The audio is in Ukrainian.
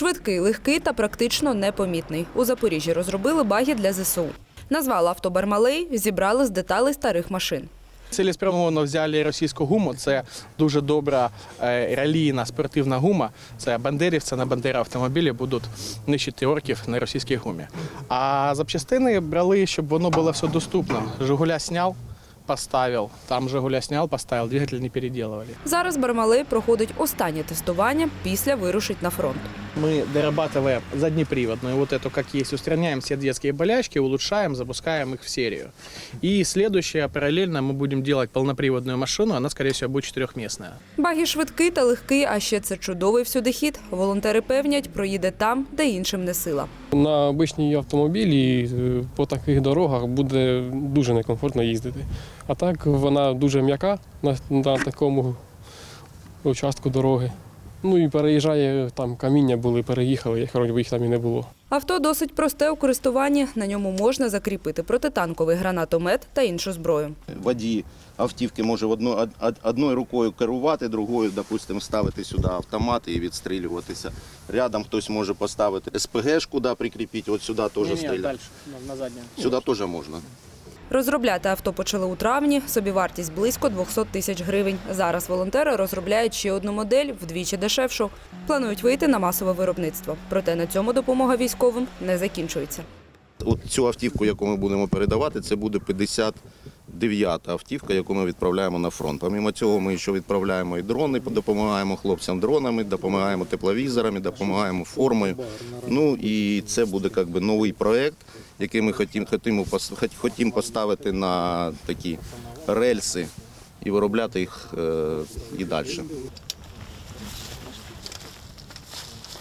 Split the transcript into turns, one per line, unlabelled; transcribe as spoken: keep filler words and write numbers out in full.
Швидкий, легкий та практично непомітний. У Запоріжжі розробили багі для зе ес у. Назвали авто «Бармалей», зібрали з деталей старих машин.
Цілеспрямовано взяли російську гуму. Це дуже добра ралійна спортивна гума. Це бандерівці на бандери автомобілі будуть нищити орків на російській гумі. А запчастини брали, щоб воно було все доступно. «Жигуля» зняв, поставив, там «Жигуля» зняв, поставив, двигатель не переделывали.
Зараз «Бармалей» проходить останнє тестування, після вирушить на фронт.
Мы дорабатываем заднеприводную вот эту, как есть, устраняем все детские болячки, улучшаем, запускаем их в серию. И следующее, параллельно мы будем делать полноприводную машину, она, скорее всего, будет четырехместная.
Багі швидкий та легкий, а ще це чудовий всюдихід. Волонтери певнять, проїде там, де іншим не сила.
На обичній автомобілі по таких дорогах буде дуже некомфортно їздити. А так вона дуже м'яка на, на такому участку дороги. Ну і переїжджає, там каміння були, переїхали, як вроді їх там і не було.
Авто досить просте у користуванні. На ньому можна закріпити протитанковий гранатомет та іншу зброю.
Водій автівки може одно, од, одною рукою керувати, другою, допустимо, ставити сюди автомат і відстрілюватися. Рядом хтось може поставити ес пе ге-шку, да, прикріпити, от сюди теж стріляти.
на заднє.
Сюди теж можна.
Розробляти авто почали у травні, собівартість близько двісті тисяч гривень. Зараз волонтери розробляють ще одну модель, вдвічі дешевшу. Планують вийти на масове виробництво. Проте на цьому допомога військовим не закінчується.
От цю автівку, яку ми будемо передавати, це буде п'ятдесят дев'ята автівка, яку ми відправляємо на фронт. Помимо цього ми ще відправляємо і дрони, допомагаємо хлопцям дронами, допомагаємо тепловізорами, допомагаємо формою. Ну і це буде як би новий проєкт, який ми хотімо, хотімо, хотімо поставити на такі рельси і виробляти їх і далі.